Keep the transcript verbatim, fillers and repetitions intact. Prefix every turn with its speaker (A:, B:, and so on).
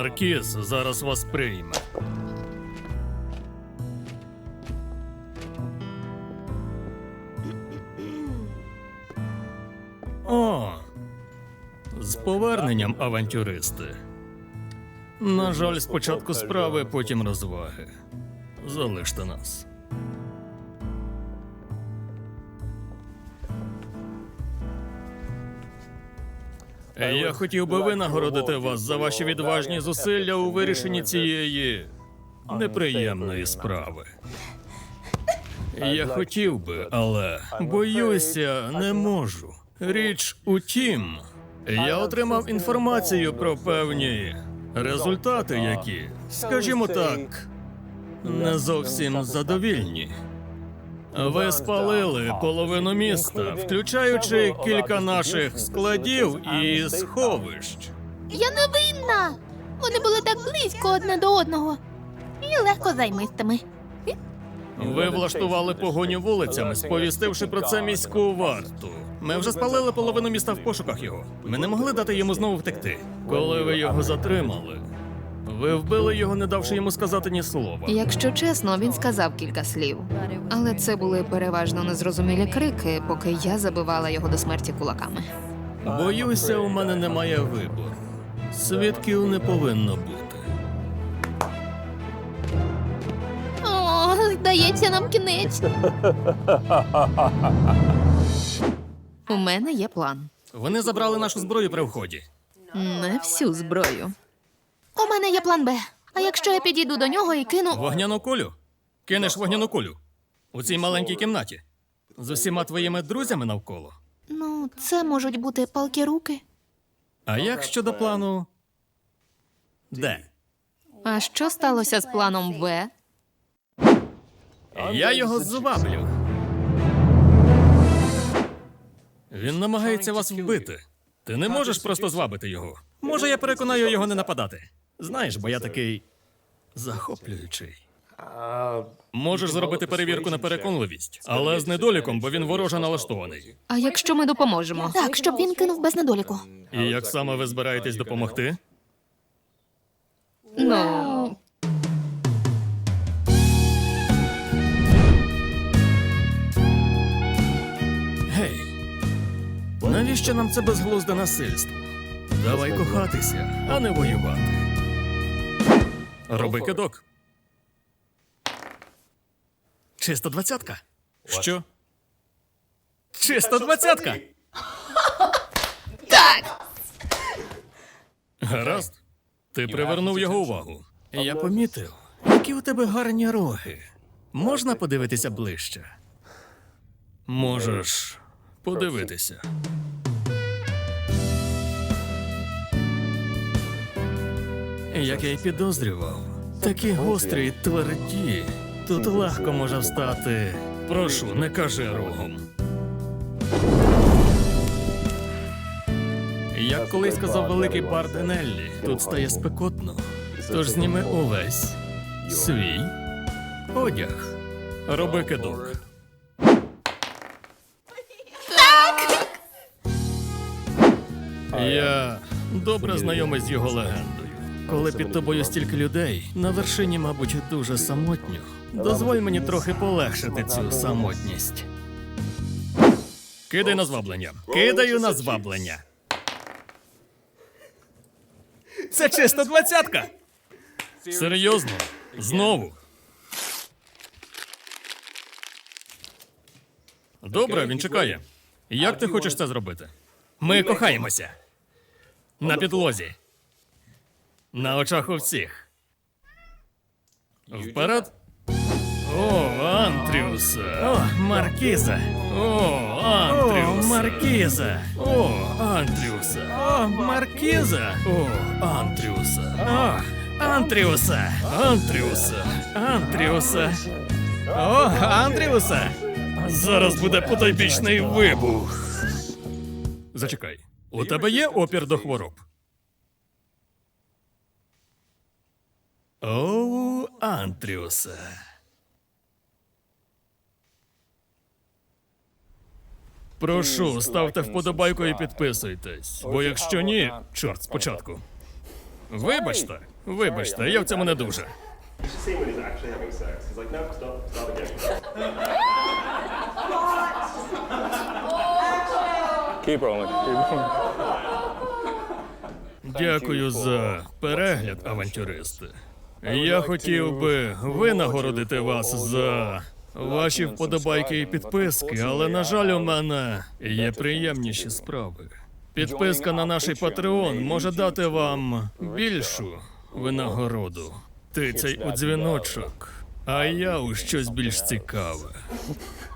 A: Маркіз зараз вас прийме. О, з поверненням, авантюристи. На жаль, спочатку справи, потім розваги. Залиште нас. Я хотів би винагородити вас за ваші відважні зусилля у вирішенні цієї неприємної справи. Я хотів би, але боюся, не можу. Річ у тім, я отримав інформацію про певні результати, які, скажімо так, не зовсім задовільні. Ви спалили половину міста, включаючи кілька наших складів і сховищ.
B: Я не винна. Вони були так близько одне до одного. І легко займистими.
A: Ви влаштували погоню вулицями, сповістивши про це міську варту. Ми вже спалили половину міста в пошуках його. Ми не могли дати йому знову втекти. Коли ви його затримали, ви вбили його, не давши йому сказати ні слова.
C: Якщо чесно, він сказав кілька слів. Але це були переважно незрозумілі крики, поки я забивала його до смерті кулаками.
A: Боюся, у мене немає вибору. Свідків не повинно бути.
B: О, здається, нам кінець.
C: У мене є план.
A: Вони забрали нашу зброю при вході.
C: Не всю зброю.
B: У мене є план Б. А якщо я підійду до нього і кину...
A: Вогняну кулю? Кинеш вогняну кулю? У цій маленькій кімнаті? З усіма твоїми друзями навколо?
B: Ну, це можуть бути палкі руки.
A: А як щодо плану Д?
C: А що сталося з планом В?
A: Я його зваблю. Він намагається вас вбити. Ти не можеш просто звабити його. Може, я переконаю його не нападати. Знаєш, бо я такий захоплюючий. Можеш зробити перевірку на переконливість, але з недоліком, бо він вороже налаштований.
C: А якщо ми допоможемо?
B: Так, щоб він кинув без недоліку.
A: І як саме ви збираєтесь допомогти?
C: Ну,
A: Гей, навіщо нам це безглузде насильство? Давай кохатися, а не воювати. Роби кидок. Чиста двадцятка. Що? Чиста двадцятка.
B: Так!
A: Гаразд. Ти привернув його увагу. Я помітив, які у тебе гарні роги. Можна подивитися ближче? Можеш подивитися. Як я й підозрював, такі гострі й тверді. Тут легко може встати. Прошу, не кажи рогом. Як колись сказав великий Барденеллі, тут стає спекотно. Тож зніми увесь свій одяг. Роби кидок. Я добре знайомий з його легендою. Коли під тобою стільки людей, на вершині, мабуть, дуже самотньо. Дозволь мені трохи полегшити цю самотність. Кидай на зваблення. Кидаю на зваблення. Це чисто двадцятка. Серйозно? Знову? Добре, він чекає. Як ти хочеш це зробити? Ми кохаємося. На підлозі. На очах у всіх. Вперед. О, Антріуса. О, Маркіза. О, Антріуса. О, Маркіза. О, Антріуса. О, Маркіза. О, Антріуса. О, Антріуса. Антріуса. Антріуса. О, Антріуса. Зараз буде потойбічний вибух. Зачекай. У тебе є опір до хвороб? О, Антріуса. Прошу, ставте вподобайку і підписуйтесь. Бо якщо ні, чорт спочатку. Вибачте, Вибачте, я в цьому не дуже.
D: See when he's actually having sex. He's like, no, stop, stop again.
E: Keep rolling. Keep rolling.
A: Дякую за перегляд, авантюристи. Я хотів би винагородити вас за ваші вподобайки і підписки, але, на жаль, у мене є приємніші справи. Підписка на наш Patreon може дати вам більшу винагороду. Тицяй у дзвіночок, а я у щось більш цікаве.